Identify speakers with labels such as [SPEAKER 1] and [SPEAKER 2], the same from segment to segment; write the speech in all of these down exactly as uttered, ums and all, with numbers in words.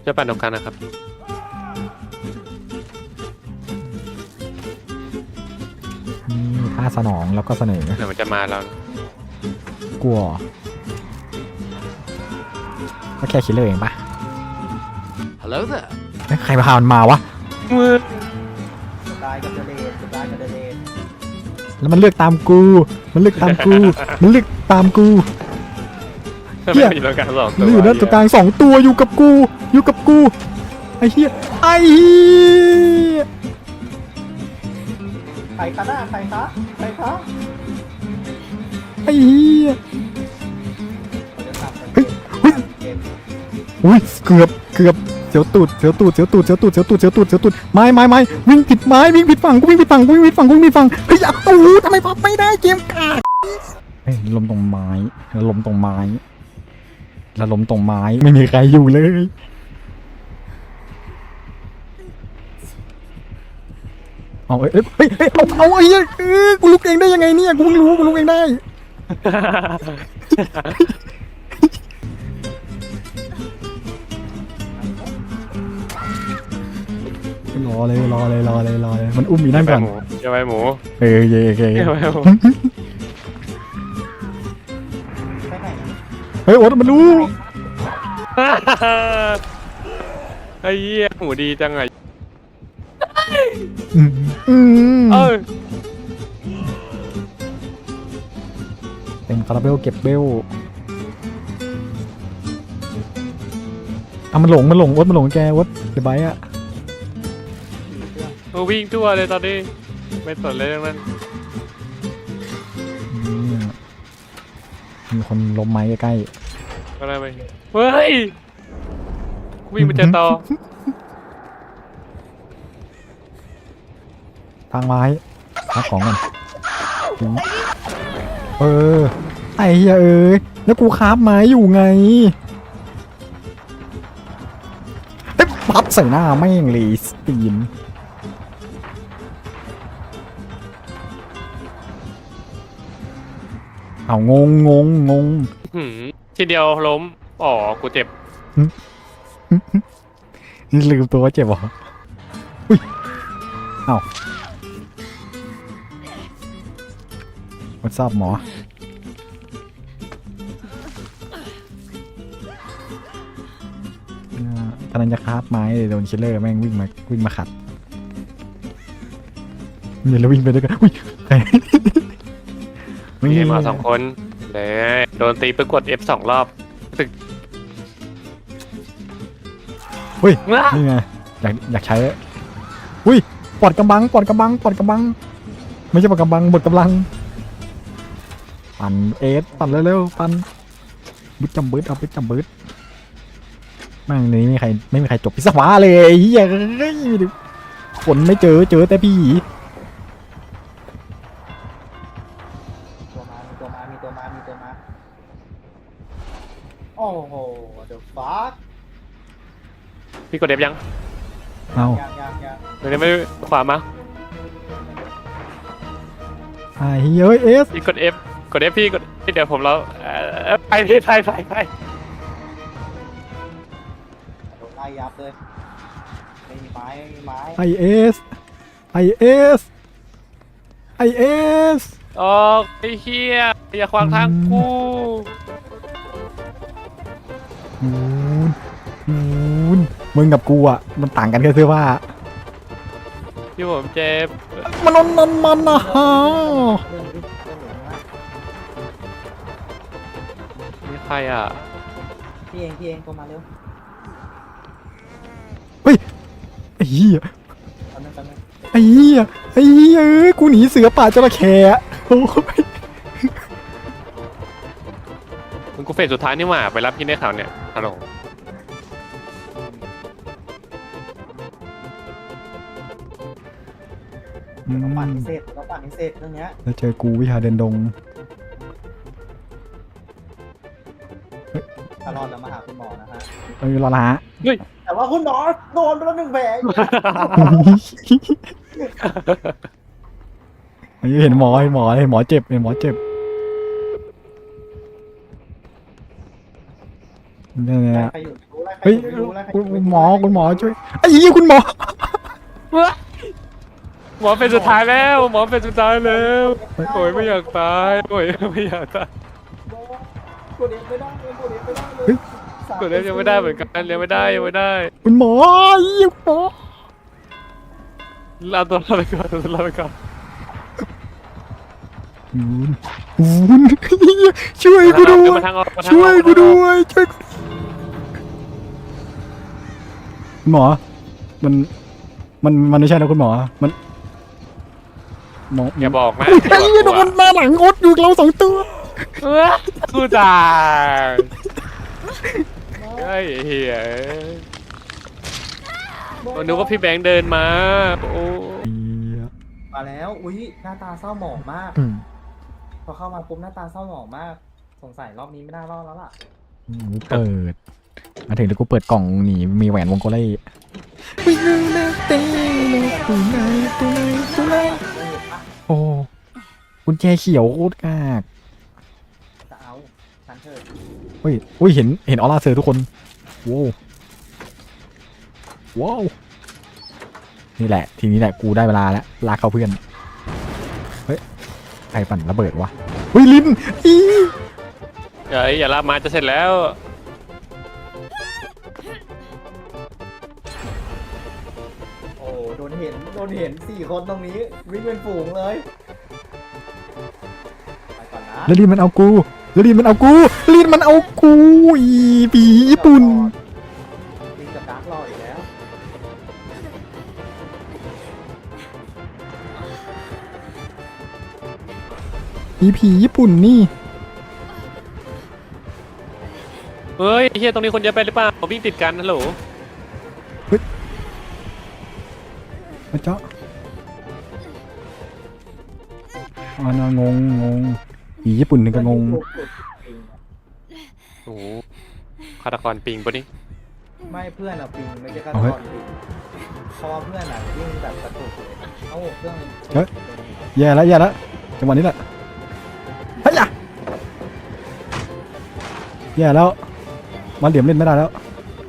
[SPEAKER 1] จะปั่นตรงกลางนะครับ
[SPEAKER 2] นี่ค่าสนองแล้วก็เสนอ
[SPEAKER 1] เดี๋ยวมันจะมาแล้ว
[SPEAKER 2] กลัวก็แค่คิดเลยเองปะ
[SPEAKER 1] Hello there
[SPEAKER 2] เอ้ยใครพามันมาวะ
[SPEAKER 3] ตายกับเดเลนตายกับเดเลน
[SPEAKER 2] แล้วมันเลือกตามกู มันเลือกตามกู มันเลือกตามกู เหี้
[SPEAKER 1] ไม่
[SPEAKER 2] ย
[SPEAKER 1] อยู่ตรงกลางสองตัว
[SPEAKER 2] มันอยู่ด้านตรงกลางสองตัวอยู่กับกู อยู่กับกู ไอ้เหี้ย ไอ้เหี้ย
[SPEAKER 3] ใครคะหน้าใครคะใครคะ
[SPEAKER 2] ไอ้เหี้ย
[SPEAKER 3] เขาจะทำ
[SPEAKER 2] เฮ้ยเฮ้ย
[SPEAKER 3] เกม
[SPEAKER 2] อุ้ยเกือบเกือบเสียวตูดเสียวตูดเสียวตูดเสียวตูดเสียวตูดเสียวตูดเสียวตูดไม้ไม้ไม้วิ่งผิดไม้วิ่งผิดฝั่งกูวิ่งผิดฝั่งกูวิ่งผิดฝั่งกูวิ่งผิดฝั่งเฮ้ยอ่ะโอ้โหทำไมพับไม่ได้เกมกากเฮ้ยลมตรงไม้ลมตรงไม้แล้วลมตรงไม้ไม่มีใครอยู่เลยเอาเอ้ยเอ้ยเฮ้ยเฮ้ยเอาเอาไอ้เหี้ยเอ้ยกูลุกเองได้ยังไงเนี่ยกูเพิ่งรู้กูลุกเองได้รอเลยรอเลยรอเลยรอเลยมันอุ้มอยู่นั่นก่อน
[SPEAKER 1] เดี๋ยวไปหมู
[SPEAKER 2] เออเย่เย่
[SPEAKER 1] เดี๋ยวไปหมู
[SPEAKER 3] ไปไหน
[SPEAKER 2] เฮ้ยโอ๊ตมันรู้
[SPEAKER 1] ไอ้เหี้ยหมูดีจังไง
[SPEAKER 2] อืมอืม
[SPEAKER 1] เออ
[SPEAKER 2] เต็มคาราเบลเก็บเบลอ่ะมันหลงมันหลงโอ๊ตมันหลงแกโอ๊ตเดี๋ยวไปอ่ะ
[SPEAKER 1] กูวิ่งทั่วเลยตอนนี้ไม่สนเลยเรื่องนั้น
[SPEAKER 2] อืมมีคนล้มไม้ใกล้
[SPEAKER 1] ก็ได้ไปเฮ้ยกูวิ่งไปเจอต่อ
[SPEAKER 2] ๆทางไม้รับของก่อนอืมเออไอ้เหี้ยเอ้ยแล้วกูคาบไม้อยู่ไงเอ๊ะปั๊บใส่หน้าแม่งเลยสตีนเอางงงงงง
[SPEAKER 1] หืมทีเดียวล้มอ๋อกูเจ็บ
[SPEAKER 2] นี่ลืมตัวว่าเจ็บเหรออุ้ยเอ้าวัดทราบหมอกำลังจะคาบไม้เลยโดนคิลเลอร์แม่งวิ่งมาวิ่งมาขัดเนี่ยแล้ววิ่งไปด้วยกันอุ้ยใคร
[SPEAKER 1] มีมาสองคนเลยโดนตีไปกด F สองรอบตึก
[SPEAKER 2] เฮ้ยนี่ไงอยากอยากใช้อุ้ยปอดกำบังปอดกำบังปอดกำบังไม่ใช่ปอดกำบังบดกำลังปั่นเอสปั่นเร็วๆปั่นบึ้ดจำบึ้ดเอาบึ้ดจำบึ้ดแม่งนี้ไม่มีใครไม่มีใครจบพิศวาเลยไอ้เฮียเฮ้ยคนไม่เจอเจอแต่พี่
[SPEAKER 3] ตัวมามีตัวมามีตัวมามีตัวมาโอ้โหเดอะฟัค
[SPEAKER 1] พี่กด F ยัง
[SPEAKER 2] เอา
[SPEAKER 3] ยังยังยัง
[SPEAKER 1] เดี๋ยวนี้ไม่ขวามา
[SPEAKER 2] ไอ้เฮียเอ้ยเอส
[SPEAKER 1] พี่กด F กด F พี่กดเดี๋ยวผมเราเอ่อไปพี่ไปไปไป
[SPEAKER 3] โดนไล่ยับเลยไม่มีไม้ไม่มีไม้
[SPEAKER 2] ไอเอสไอเอสไอเอส
[SPEAKER 1] ออกไอ้เหี้ยอย่าขวางทางกู
[SPEAKER 2] มูนมูนมึงกับกูอ่ะมันต่างกันแค่เสื้อผ้า
[SPEAKER 1] พี่ผมเจ็บ
[SPEAKER 2] มันมันมันมันนะฮะ
[SPEAKER 3] เรื่องนี้เรื่องหนูนะ
[SPEAKER 1] นี่ใครอ่ะ
[SPEAKER 3] พี่เองพี่เองตัวมาเร็ว
[SPEAKER 2] เฮ้ยไอ้เหี้ย
[SPEAKER 3] ตอนนั้นตอนนั้น
[SPEAKER 2] ไอ้เหี้ยไอ้เหี้ยเอ้ยกูหนีเสือป่าจระเข้อะโอ้ย
[SPEAKER 1] มึงกูเฟสสุดท้ายนี่หว่าไปรับพี่ในข่าวเนี่ยฮัลโหล
[SPEAKER 2] อืม
[SPEAKER 3] ต้องปั่นให้เสร็จต้องปั่นให้เสร็จเรื่องเนี้ย
[SPEAKER 2] แล้วเจอกูวิชาเดินดง
[SPEAKER 3] ถ้ารอดแล้วมาหาคุณหมอนะฮะ
[SPEAKER 2] เอ้ยรอละฮะ
[SPEAKER 3] แต่ว่าคุณหมอโดนไปแล้วหนึ่งแผล
[SPEAKER 2] เห็นหมอเห็นหมอเห็นหมอเจ็บเห็นหมอเจ็บเนี่ย
[SPEAKER 3] ใครอยู่รู้
[SPEAKER 2] เฮ้ยคุณหมอคุณหมอช่วยไอ้ยี่คุณหมอ
[SPEAKER 1] หมอเป็นสุดท้ายแล้วหมอเป็นสุดท้ายแล้วโอ้ยไม่อยากตายโอ้ยไม่อยากตาย
[SPEAKER 3] กดเอฟไม่ได้กดเอฟไม่ได้เลย
[SPEAKER 1] กดเล่นยังไม่ได้เหมือนกันยังไม่ได้ยังไม่ได้
[SPEAKER 2] คุณหมอยี่คุณหมอ
[SPEAKER 1] ลาตัวเราไปก่อนตัวเราไปก่อน
[SPEAKER 2] คุณคุณช่วยกูด้วย
[SPEAKER 1] มาทางออกมาทางออก
[SPEAKER 2] ช่วยกูด้วยช่วยกูคุณหมอมันมันมันไม่ใช่นะคุณหมอมันหมอ
[SPEAKER 1] อย่าบอกนะ
[SPEAKER 2] ไอ้ยี่โดนหน้าหลังอดอยู่เราสองตัว
[SPEAKER 1] เออกูตายไอ้เหี้ยผมนึกว่าพี่แบงค์เดินมาโอ้
[SPEAKER 3] มาแล้วอุ้ยหน้าตาเศร้าหมองมาก
[SPEAKER 2] อืม
[SPEAKER 3] พอเข้ามาปุ๊บหน้าตาเศร้าหมองมาก สงสัยรอบนี้ไม่น่ารอดแล้วล่ะ
[SPEAKER 2] เปิดมาถึงแล้วกูเปิดกล่องหนีมีแหวนวงโกเล่โอ้กุญแจเขียวโคตรกาก
[SPEAKER 3] จะเอาฉันเถอะ
[SPEAKER 2] เฮ้ยอุ้ยเห็นเห็นออร่าเซอร์ทุกคนว้าวว้าวนี่แหละทีนี้แหละกูได้เวลาแล้วลากเข้าเพื่อนเฮ้ยใครปั่นระเบิดวะเฮ้ยลินอี
[SPEAKER 1] อย่าอย่าลากมาจะเสร็จแล้ว
[SPEAKER 3] โอ้โดนเห็นโดนเห็นสี่คนตรงนี้วิ่งเป็นฝูงเลยไปก่อนนะ
[SPEAKER 2] แล้วลินมันเอากูแล้วลินมันเอากูลินมันเอากูอีปีญี่ปุ่น
[SPEAKER 3] วิ่งกับดาร์กรออีกแล้ว
[SPEAKER 2] อีผีญี่ปุ่นนี่
[SPEAKER 1] เฮ้ยเฮียตรงนี้คนเยอะไปหรือเปล่าวิ่งติดกันฮัลโหล
[SPEAKER 2] มาเจาะอ่านางงงงผีญี่ปุ่นถึงก็งง
[SPEAKER 1] โอ้โหฆาตกรปิงปะนี่
[SPEAKER 3] ไม่เพื่อนอะปิงไม่ใช่ฆาต
[SPEAKER 2] เอา
[SPEAKER 3] ก
[SPEAKER 2] เฮ้ย
[SPEAKER 3] รปิงเพราะว่าเพื่อนอะวิ่งแบบกระตุกเลยเอ้าเครื่อง
[SPEAKER 2] เฮ้ย แย่แล้วแย่แล้วจังหวะนี้แหละเฮ้ยอะแย่แล้วมาเหลี่ยมเล่นไม่ได้แล้ว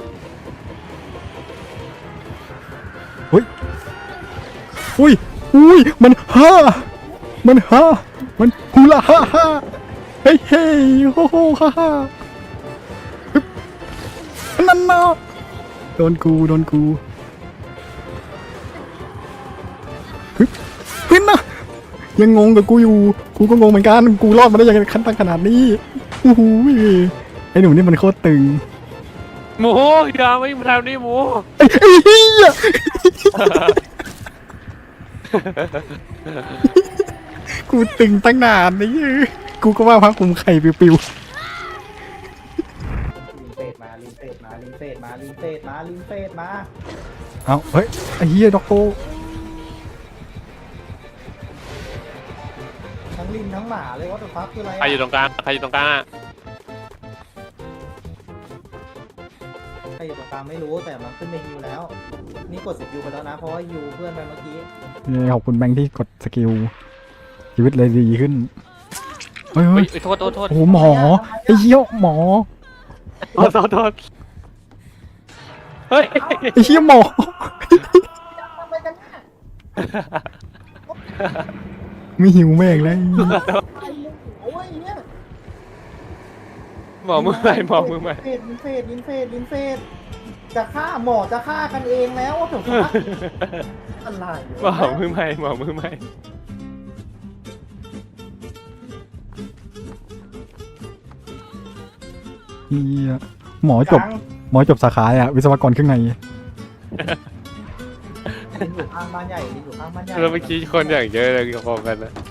[SPEAKER 2] อุ้ยอุ้ยอุ้ยมันฮ่ามันฮ่ามันฮูลาฮ่าฮ่าเฮ้ยเฮ้ยโฮโฮฮ่าฮ่าฮึบนั่นนะโดนกูโดนกูฮึบเฮ้ยนะยังงงกับกูอยู่กูก็งงเหมือนกันกูรอดมาได้ยังไงขั้นตั้งขนาดนี้โอ้โหไอ้หนูนี่มันโคตรตึง
[SPEAKER 1] หมูอย่าไม่มาทำนี่หมู
[SPEAKER 2] ไอ้ไอ้เหี้ยกูตึงตั้งนานนี่กูก็ว่าพักคุมไข่ปิว
[SPEAKER 3] ลินเฟดมาลินเฟดมาลินเฟดมาลินเฟดมาลินเฟดมา
[SPEAKER 2] ๆเอาเฮ้ยไอ้เหี้ยด็อกโต
[SPEAKER 3] ทั้งลินทั้งหมาเลยว่าตัวฟักคืออะไร
[SPEAKER 1] ใครอยู่ตรงกลางใครอยู่ตรงกลางอะ
[SPEAKER 3] ใครอยู่ตรงกลางไม่รู้แต่มันขึ้นในฮิวแล้ว นี่กดสกิลไปแล้วนะเพราะว่าฮิวเพื่อนไปเมื่อกี้
[SPEAKER 2] ขอบคุณแบงค์ที่กดสกิลชีวิตเลยดีขึ้นเฮ้ย
[SPEAKER 1] เฮ้
[SPEAKER 2] เฮ้
[SPEAKER 1] ย
[SPEAKER 2] ย
[SPEAKER 1] เฮ้ยโทษโทษโทษ
[SPEAKER 2] โอ้โหหมอไอ้เหี้ยหมอ
[SPEAKER 1] โทษโทษโทษเฮ้ย
[SPEAKER 2] ไอ้เหี้ยหมอ
[SPEAKER 3] ทำไมกันเนี่ย
[SPEAKER 2] ไม่หิวแม่งเลย
[SPEAKER 3] โอ้ยเนี่ย
[SPEAKER 1] หมอมือใหม่หมอมือใหม่
[SPEAKER 3] ลินเฟดลินเฟดลินเฟดจะฆ่าหมอจะฆ่ากันเองแล้วว่าตัวฟักอะไร
[SPEAKER 1] หมอมือใหม่หมอมือใหม่
[SPEAKER 2] เหี้ยหมอจบหมอจบสาขาอะวิศวกรเครื่องใน
[SPEAKER 3] ลินอยู่ข้างบ้านใหญ่ลินอยู่ข้างบ้านใหญ่
[SPEAKER 1] แล้วเมื่อกี้คนอย่างเยอะเลยพร้อมกันนะ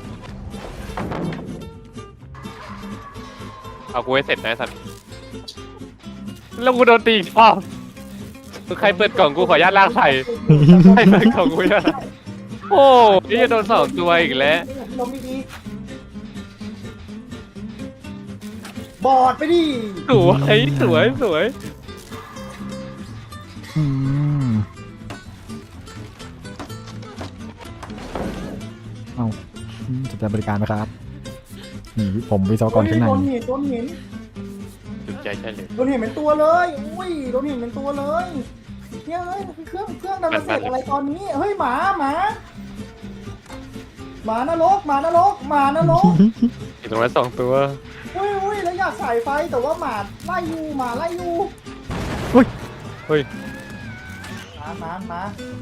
[SPEAKER 1] เอากูให้เสร็จนะสัตว์แล้วกูโดนตีอีกรอบใครเปิดกล่องกูขออนุญาตลากใส่ใครเปิดกล่องกูเนี่ยโอ้ยจะโดนสองตัวอีกแล้ว
[SPEAKER 3] ลงดีๆบอดไปดิ
[SPEAKER 1] สวยสวยสวย
[SPEAKER 2] อืมเอาอืมสนใจบริการไหมครับนี่ผมวิศวกรเครื่องใน
[SPEAKER 3] โดนเห็นโดนเห็น
[SPEAKER 1] สุดใจใช่เลย
[SPEAKER 3] โดนเห็นเป็นตัวเลยอุ้ยโดนเห็นเป็นตัวเลยเนี่ยเฮ้ยเครื่องเครื่องดันมาเสร็จอะไรตอนนี้เฮ้ยหมาหมาหมานรกหมานรกหมานรก
[SPEAKER 1] อยู่ตรงนั้นสองตัว
[SPEAKER 3] อุ้ยอุ้ยแล้วอยากใส่ไฟแต่ว่าหมาไล่อยู่หมาไล่อยู่
[SPEAKER 2] อุ้ย
[SPEAKER 1] เฮ้ย
[SPEAKER 3] มามามา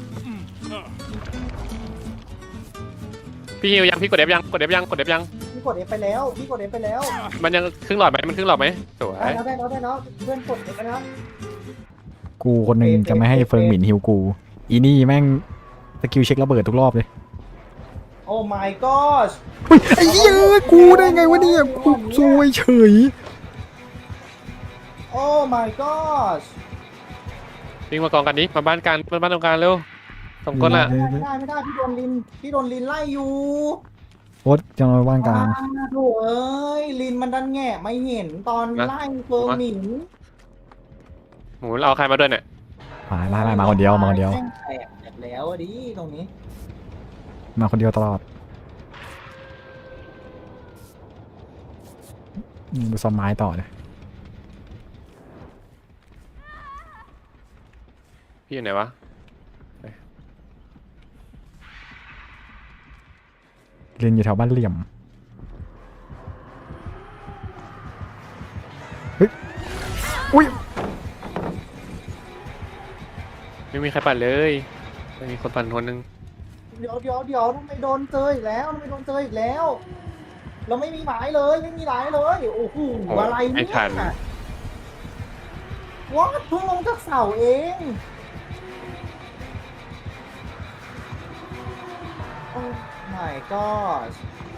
[SPEAKER 1] พี่ฮิวยังพี่กดเอฟยังกดเอฟยังกดเอฟยัง
[SPEAKER 3] พี่กดเอฟไปแล้วพี่กดเอฟไปแล้ว
[SPEAKER 1] มันยังครึ่งหลอดไหมมันครึ่งหลอดไหมสวย
[SPEAKER 3] ได้แล้วได้แล้วได้แล้วเพื่อนกดเอฟไปแล้ว
[SPEAKER 2] กูคนหนึ่งจะไม่ให้เฟิงหมิ่นฮิวกู อีนี่แม่งสกิลเช็คระเบิดทุกรอบเลย
[SPEAKER 3] โอ้ my gosh
[SPEAKER 2] เฮ้ยไอ้เหี้ยกูได้ไงวะเนี่ยกูซวยเฉย
[SPEAKER 3] โอ้ my gosh
[SPEAKER 1] วิ่งมากองกันนี้มาบ้านกันมาบ้านตรงกลางเร็วสองคนละ
[SPEAKER 3] ไม่ได้ไม่ได้พี่โดนลินพี่โดนลินไล่อยู่
[SPEAKER 2] โอ๊ตจะมาว่างกลาง
[SPEAKER 3] อ่โถ่เอ้ยลินมันดันแง่ไม่เห็นตอนไล่เฟิร์หมิน
[SPEAKER 1] หมูเอาใครมาด้วยเนี่ย
[SPEAKER 2] มาไล่ไล่มาคนเดียวมาคนเดียว
[SPEAKER 3] แม่งแตกแตกแล้วอะดิตรงนี้
[SPEAKER 2] มาคนเดียวตลอดอืมดูซอมไม้ต่อเลย
[SPEAKER 1] พี่อยู่ไหนวะ
[SPEAKER 2] เรียนอยู่แถวบ้านเหลี่ยม เฮ้ย อุ้ย
[SPEAKER 1] ไม่มีใครปั่นเลยไม่มีคนปั่นคนหนึง
[SPEAKER 3] เดี๋ยวเดี๋ยวเดี๋ยวทำไมโดนเจออีกแล้วทำไมโดนเจออีกแล้ว เราไม่มีหมายเลยไม่มีหมายเลยโอ้โหอะไรเนี่ยว้าเพิ่งลงจากเสาเองโอ้ my gosh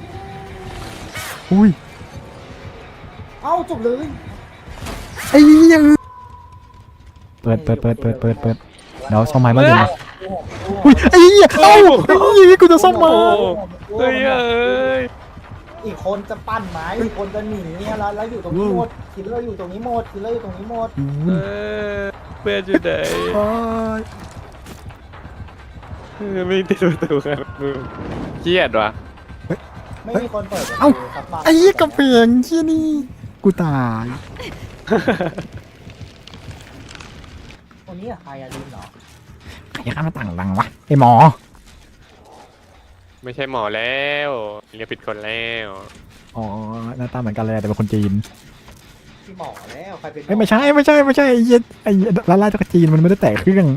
[SPEAKER 2] อุ้ย
[SPEAKER 3] เอ้าจบเลย
[SPEAKER 2] ไอ้เหี้ยังเปิดเปิดเปิดเปิดเปิดเปิดเดี๋ยวซ่อมไม้บ้านเหลี่ยมมาอุ้ยไอ้เหี้ยเอ้าไอ้เหี้ยกูจะซ่อมไม้
[SPEAKER 1] เฮ้ยเอ้ย
[SPEAKER 3] อีกคนจะปั้นไม้อีกคนจะหนีเนี่ยแล้วแล้วอยู่ตรงนี้หมดคิลเลอร์อยู่ตรงนี้หมดคิลเลอร์อยู่ตรงนี้หมด
[SPEAKER 1] เออเพื่อนอยู่ไหน
[SPEAKER 2] โอ้ย
[SPEAKER 1] เออไม่ติดประตูครับมึงเครียดว่ะ
[SPEAKER 3] ไม่มีคนเปิด
[SPEAKER 2] เอ้า
[SPEAKER 3] สักบาท
[SPEAKER 2] ไอ้เหี้ยกระเปียงเหี้ยนี่กูตาย
[SPEAKER 3] คนนี้อะใครอะลินเหรอ
[SPEAKER 2] ใครข้ามหน้าต่างดังวะไอ้หมอ
[SPEAKER 1] ไม่ใช่หมอแล้วเรียกผิดคนแล้ว
[SPEAKER 2] อ๋อหน้าตาเหมือนกันเลยแต่เป็นคนจีน
[SPEAKER 3] พี่หมอแล้วใครเป็นหอ
[SPEAKER 2] เอ้ยไม่ใช่ไม่ใช่ไม่ใช่ไอ้เหี้ยไอ้ลาล่าจากจีนมันไม่ได้แตะเครื่อง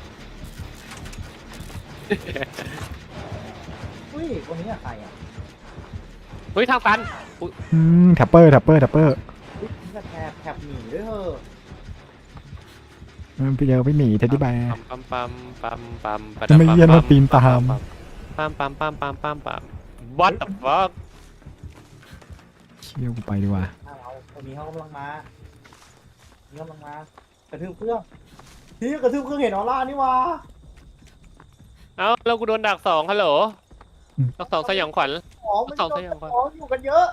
[SPEAKER 3] อุ้ยคนนี้อะใครอะ
[SPEAKER 1] เฮ้ยทางตัน
[SPEAKER 2] อืมแท็ปเปอร์แท็ปเปอร์แท็ปเปอร์
[SPEAKER 3] อุ้ยนี่ก็แถบแถบหนีด้วยเถอะ
[SPEAKER 2] เออพี่เจอพี่หมีเท็ดดี้แบร์
[SPEAKER 1] ปั๊มปั๊มปั๊มปั๊มปั๊ม
[SPEAKER 2] จะไม่เยี่ยนว่าปีนตาม
[SPEAKER 1] ปั๊มปั๊มปั๊มปั๊มปั๊มปั๊ม what the fuck
[SPEAKER 2] เชี่ยวกูไปดีกว่า
[SPEAKER 3] เอาคนนี้เขากำลังมานี่กำลังมากระทืบเครื่องพี่กระทืบเครื่องเห็นออร่านี่วะ
[SPEAKER 1] เอ้าแล้วกูโดนดักสองฮัลโหลดักสองสยองขวัญ
[SPEAKER 3] อ๋อมัน
[SPEAKER 1] สอง
[SPEAKER 3] โด
[SPEAKER 1] ส
[SPEAKER 3] น
[SPEAKER 1] ยองขวัญ
[SPEAKER 3] อ๋ออยู่กันเยอะ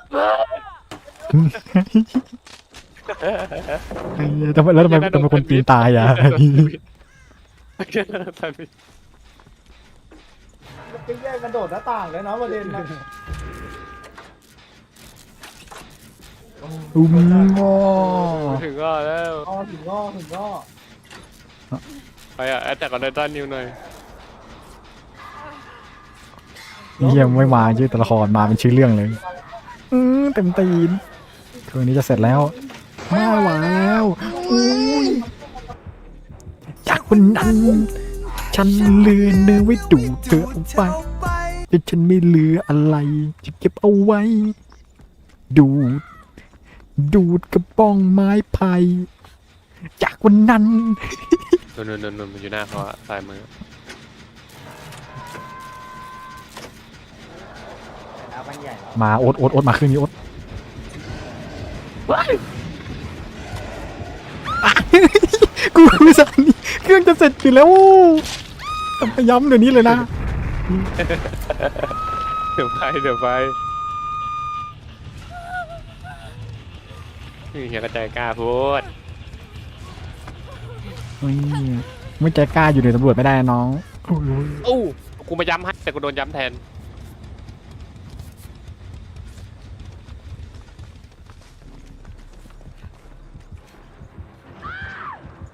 [SPEAKER 2] ไอ้เหี้ยทำไมแล้วทำไมทำไมคนจีนตายอ่ะ
[SPEAKER 3] ไปแย่งกันโดดหน้าต่างเลยนะประเด็นนะ
[SPEAKER 2] อุ้มงอ
[SPEAKER 1] ถึงก็แล้ว
[SPEAKER 3] อ๋อถึงง้อถึงง้อ
[SPEAKER 1] ไปอ่ะแอดแต่ก่อนไดตันนิวหน่อย
[SPEAKER 2] เยี่ยมไม่มาชื่อตัวละครมาเป็นชื่อเรื่องเลย อืมเต็มตีนคืนนี้จะเสร็จแล้วไม่ไหวแล้วอุ้ยจากวันนั้นฉันเลือเนื้อไว้ดูดเธอเอาไปแต่ฉันไม่เหลืออะไรจะเก็บเอาไว้ ดูด ดูดกระป้องไม้ไผ่จากวันนั้น
[SPEAKER 1] นุ่นนุ่นนุ่นมันอยู่หน้าเขาอะซ้ายมือ
[SPEAKER 3] น้ำมันใหญ่
[SPEAKER 2] มาโอ๊ตโอ๊ตโอ๊ตมาคืนนี้โอ๊ตกูสั่นเครื่องจะเสร็จอยู่แล้วต้องไปย้ำเดี๋ยวนี้เลยนะ
[SPEAKER 1] เดี๋ยวไปเดี๋ยวไปนี่เฮียกระจายกล้าพูด
[SPEAKER 2] ไม่ไม่ใจกล้าอยู่ในตำรวจไม่ได้น้อง
[SPEAKER 1] โอ้กูมาย้ำให้แต่กูโดนย้ำแทน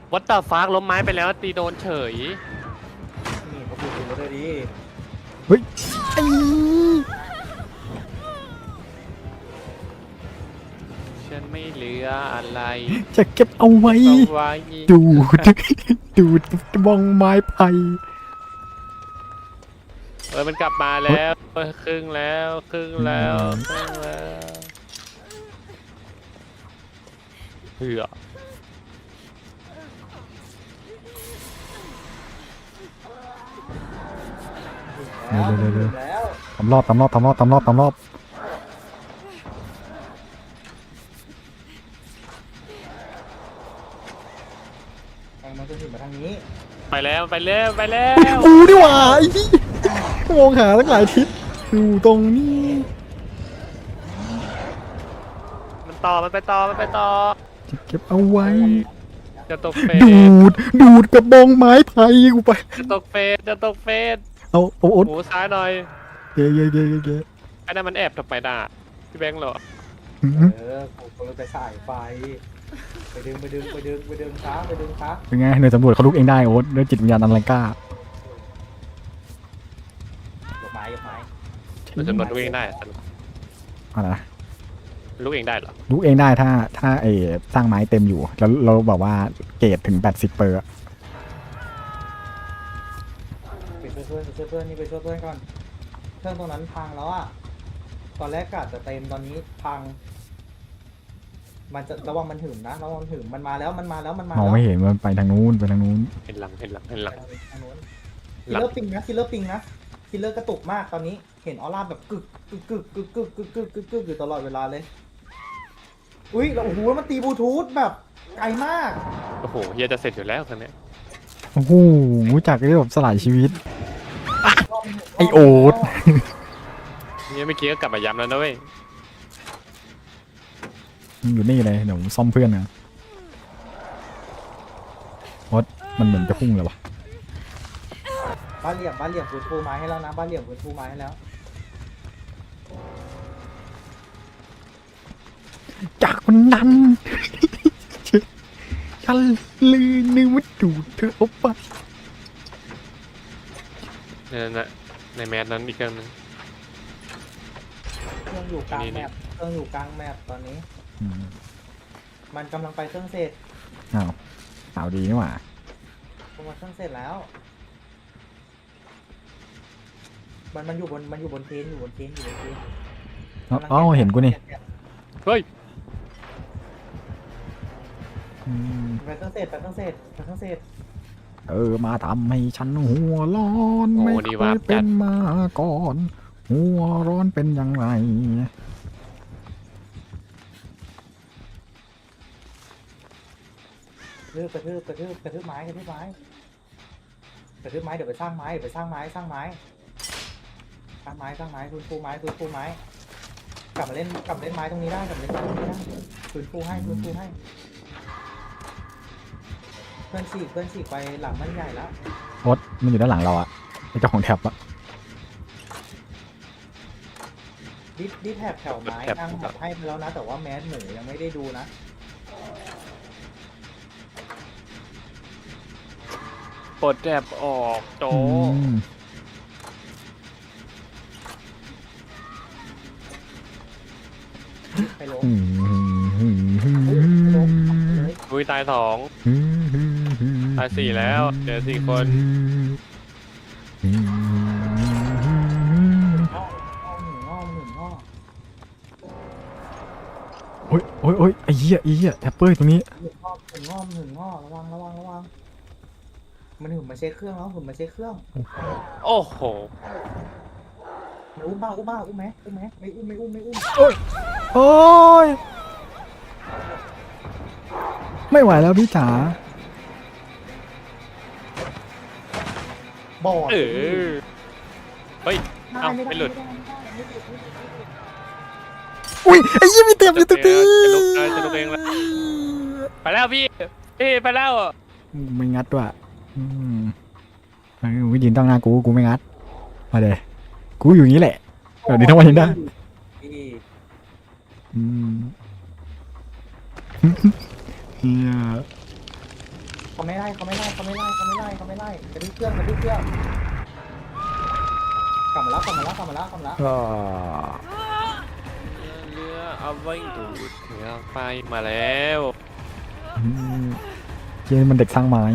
[SPEAKER 1] วัดตาฟากล้มไม้ไปแล้วตีโดนเฉย
[SPEAKER 3] นี่เขาพูดถึงเลยดิ
[SPEAKER 2] เฮ้ยไอ้
[SPEAKER 1] ฉันไม่เหลืออะไร
[SPEAKER 2] จะเก็บเอาไว้
[SPEAKER 1] เอาไว้
[SPEAKER 2] ดูด ดูดบองไม้ไผ่
[SPEAKER 1] เออมันกลับมาแล้วเออครึ่งแล้วครึ่งแล้วครึ่งแล้วเหือ
[SPEAKER 3] แล้วแล้ว
[SPEAKER 2] ทำรอบทำรอบทำรอบทำรอบทำรอบ
[SPEAKER 3] มันจะถึงมาทางนี้
[SPEAKER 1] ไปแล้วไปแล้วไปแล้ว
[SPEAKER 2] กูดีกว่าไอ้ที่มองหาตั้งหลายทิศอยู่ตรงนี้
[SPEAKER 1] มันต่อมันไปต่อมันไปต่อ
[SPEAKER 2] จะเก็บเอาไว้
[SPEAKER 1] จะตกเฟส
[SPEAKER 2] ดูด ดูดกับบองไม้ไผ่กูไป
[SPEAKER 1] จะตกเฟสจะตกเฟส
[SPEAKER 2] เอาเอาอด
[SPEAKER 1] หมูซ้ายหน่อย
[SPEAKER 2] เกยเกยเกยเกย
[SPEAKER 1] ไอ้นั่นมันแอบทำไมด่าพี่แบงค์เหรอ
[SPEAKER 2] หืม
[SPEAKER 3] เออผมก็เลยไปสายไฟไปดึงไปดึงไปดึงไปดึงช้าไปดึงช้า
[SPEAKER 2] เป็นไงหน่วยสำรวจเขาลุกเองได้โอ๊ตด้วยจิตวิญญาณอันแรงกล้าย
[SPEAKER 3] กไม้ยกไม้
[SPEAKER 1] มันจะหมดลูกเองได้
[SPEAKER 2] อะไรนะ
[SPEAKER 1] ลูกเองได้เหรอ
[SPEAKER 2] ลุกเองได้ถ้าถ้าเออสร้างไม้เต็มอยู่ แล้วเราแบบว่าเกรดถึงแปดสิบเปอร์
[SPEAKER 3] ไปช่วยเพื่อนไปช่วยเพื่อนนี่ไปช่วยเพื่อนก่อนเครื่องตรงนั้นพังแล้วอ่ะตอนแรกกะจะเต็มตอนนี้พัง มันจะระวังมันถึงนะระวังมันถึงมันมาแล้วมันมาแล้วมันมาม
[SPEAKER 2] อง
[SPEAKER 3] แล้ว
[SPEAKER 2] ไม่เห็นมันไปทางนู้นไปทางนู้น
[SPEAKER 1] เห็นหลังเห็นหลังเห็นหลัง
[SPEAKER 3] ทางโน้นคิลเลอร์ปิงนะคิลเลอร์ปิงนะคิลเลอร์กระตุกมากตอนนี้เห็นออร่าแบบกึกกึกกึกกึกกึกกึกกึกกึกกึกอยู่ตลอดเวลาเลยอุ้ยแล้วโอ้โหมันตีบลูทูธแบบไกลมาก
[SPEAKER 1] โอ้โหเฮียจะเสร็จอยู่แล้วตอนนี้
[SPEAKER 2] โอ้โหรู้จักเรื่องแบบสลายชีวิต ไอ้โอ๊ต
[SPEAKER 1] เฮียเมื่อกี้ก็กลับมาย้ำแล้วนะเว้ย
[SPEAKER 2] มันอยู่นี่เลยเดี๋ยวซ่อมเพื่อนนะโอ๊ตมันเหมือนจะพุ่งเลยวะ
[SPEAKER 3] บ้านเหลี่ยมบ้านเหลี่ยมพื้นปูไม้ให้แล้วนะบ้านเหลี่ยมพื้นปูไม้ให้แล้ว
[SPEAKER 2] จากวันนั้น ฉันลืมนึกว่าดูดเธอเอาไป
[SPEAKER 1] นั่นน่ะในแมสนั้นอีกเครื่องนึง
[SPEAKER 3] เครื่องอยู่กลาง
[SPEAKER 1] นี่
[SPEAKER 3] แม
[SPEAKER 1] นี่
[SPEAKER 3] ปเครื่องอยู่กลางแมปตอนนี้
[SPEAKER 2] อืม
[SPEAKER 3] มันกำลังไปเครื่องเสร็จ
[SPEAKER 2] อ้าวข่าวดีนี่หว่า
[SPEAKER 3] มันเครื่องเสร็จแล้ว มันมันอยู่บนมันอยู่บนเทนอยู่บนเทนอยู่บนเทน
[SPEAKER 2] เอ้าเห็นกูนี่
[SPEAKER 1] เฮ้ย
[SPEAKER 2] อืม
[SPEAKER 3] ไปเครื่องเสร็จไปเครื่องเสร็จไปเครื่องเสร็จ
[SPEAKER 2] เออมาทำให้ฉันหัวร้อน
[SPEAKER 1] โอ้
[SPEAKER 2] ไม่
[SPEAKER 1] นี่
[SPEAKER 2] เค
[SPEAKER 1] วาย ร์ป
[SPEAKER 2] เป็
[SPEAKER 1] จั
[SPEAKER 2] น
[SPEAKER 1] ด
[SPEAKER 2] มาก่อน หัวร้อนเป็นอย่างไร
[SPEAKER 3] กระทืบกระทืบกระทืบกระทืบไม้กระทืบไม้กระทืบไม้เดี๋ยวไปสร้างไม้เดี๋ยวไปสร้างไม้สร้างไม้สร้างไม้สร้างไม้ฟื้นฟูไม้ฟื้นฟูไม้กลับมาเล่นกลับมาเล่นไม้ตรงนี้ได้กลับมาเล่นไม้ตรงนี้ได้ฟื้นฟูให้ฟื้นฟูให้เพื่อนฉีกเพื่อนฉีกไปหลังมันใหญ่แล้ว
[SPEAKER 2] โอ๊ตมันอยู่ด้านหลังเราอะไอ้เจ้าของแท็บอะ
[SPEAKER 3] ดิดดิดแถบแถวไม้นั่งแบบให้ไปแล้วนะแต่ว่าแมสหมูยังไม่ได้ดูนะ
[SPEAKER 1] ปลดแอบออกโต
[SPEAKER 2] อืม
[SPEAKER 3] ไปลง
[SPEAKER 2] อืมอืมอืม
[SPEAKER 3] เฮ้ย
[SPEAKER 2] อื
[SPEAKER 3] ไปลง
[SPEAKER 2] ม
[SPEAKER 3] เลย
[SPEAKER 1] อุ้ยตายสอง
[SPEAKER 2] อืมอืมอืม
[SPEAKER 1] ตายสี่แล้วเหลือสี่คน
[SPEAKER 2] อืม
[SPEAKER 3] อ้อมอ้อมหนึ่งอ้อมหนึ่งอ้อม
[SPEAKER 2] โอ้ยโอ้ยโอ้ยไอ้เหี้ยไอ้เหี้ยแท็ปเปอร์ตรงนี้
[SPEAKER 3] หนึ่งอ้อมหนึ่งอ้อมหนึ่งอ้อมระวังระวังระวังมันหุ่นมาเช็คเครื่องแล้วหุ่นมาเช็คเครื่อง
[SPEAKER 1] โอ้โห
[SPEAKER 3] มันอุ้มบ้าอุ้มบ้าอุ้มไหมอุ้มไหมไม่อุ้มไม่อุ้มไม่อุ้ม
[SPEAKER 2] โอ้ยไม่ไหวแล้วพี่จ๋า
[SPEAKER 3] บอด
[SPEAKER 1] เออเฮ้ย
[SPEAKER 3] ได้
[SPEAKER 1] เอ้า
[SPEAKER 3] ไม่
[SPEAKER 1] ไม่
[SPEAKER 3] ได้
[SPEAKER 1] หลุด
[SPEAKER 3] ไม่ได้ไม่ได้ไม่หลุดไม่หลุดไม่หลุด
[SPEAKER 2] อุ้ยไอ้เหี้ยมีเต็มอยู่ตรงนี้
[SPEAKER 1] จะลุกได้จะลุกเองแล้วไปแล้วพี่พี่ไปแล้ว
[SPEAKER 2] ไม่งัดด้วยอืมเออวิยืนตั้งหน้ากูกูไม่งัดมาเลยกูอยู่อย่างนี้แหละเดี๋ยวนี้ทั้งวันยังได้
[SPEAKER 3] ที่
[SPEAKER 2] อืมเฮีย
[SPEAKER 3] เขาไม่ไล่เขาไม่ไล่เขาไม่ไล่เขาไม่ไล่เขาไม่ไล่กระดิ่งเครื่องกระดิ่งเครื่องกลับมาแล้วกลับมาแล้วกลับมาแล้วกลับมาแล้ว
[SPEAKER 2] ก็
[SPEAKER 1] เรือเอาไว้ดูดเรือไฟมาแล้ว
[SPEAKER 2] อืมเจนี่มันเด็กสร้างไม้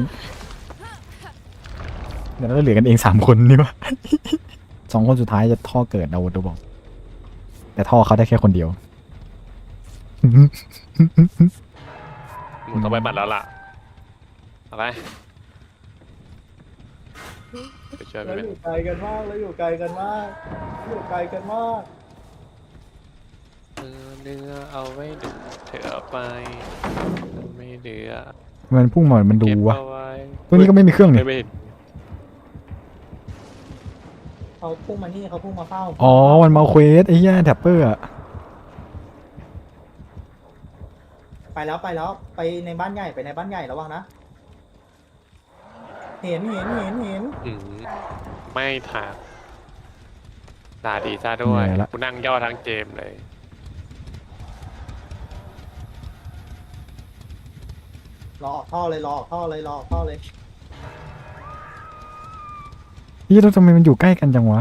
[SPEAKER 2] เดี๋ยวเราเหลือกันเองสามคนนี่วะ สองคนสุดท้ายจะท่อเกิดนะวอดบอก แต่ท่อเขาได้แค่คนเดียว
[SPEAKER 1] หมูต้องไปบัตรแล้วล่ะอะไรไปช่วยไป
[SPEAKER 3] เรา
[SPEAKER 1] เป็
[SPEAKER 3] อน ยู่ไกลกันมากเราอยู่ไกลกันมากอยู่ไกลกันมาก
[SPEAKER 1] เออเรือเอาไว้ดูดเธอเอาไปไม่เรือ
[SPEAKER 2] มันพุ่งมามันดู
[SPEAKER 1] เก็บ
[SPEAKER 2] วะ
[SPEAKER 1] เอาไว้
[SPEAKER 2] ตัวนี้ก็ไม่มีเครื่องนี่
[SPEAKER 1] ไม่เห็น
[SPEAKER 3] เขาพุ่งมานี่เขาพุ่งมาเฝ้า
[SPEAKER 2] อ๋อ มันมาเควสไอ้เหี้ยแท็ปเปอร์อะ
[SPEAKER 3] ไปแล้วไปแล้วไปในบ้านใหญ่ไปในบ้านใหญ่ระวังนะเห็นเห็นเห็นเห็น
[SPEAKER 1] อืมไม่ถามด่าดีซะด้วยกูนั่งย่อทั้งเกมเลย
[SPEAKER 3] รอออกท่อเลยรอออกท่อเลยรอออกท่อเลย
[SPEAKER 2] นี่แล้วทำไมมันอยู่ใกล้กันจังวะ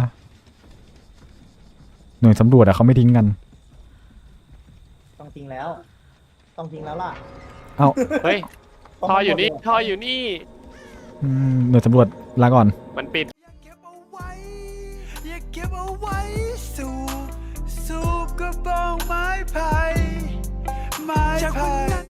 [SPEAKER 2] หน่วยสำรวจอะเขาไม่ทิ้งกัน
[SPEAKER 3] ต้องทิ้งแล้ว ต้องทิ้งแล้วล่ะ
[SPEAKER 2] เอ้า
[SPEAKER 1] เฮ้ยท่ออยู่นี่ท่ออยู่นี่
[SPEAKER 2] อืมหน่วยสำรวจลาก่อน
[SPEAKER 1] มันปิด
[SPEAKER 4] อย่าเก็บเอาไว้ อย่าเก็บเอาไว้ สู่สู่กระบองไม้ไผ่ไม้ไผ่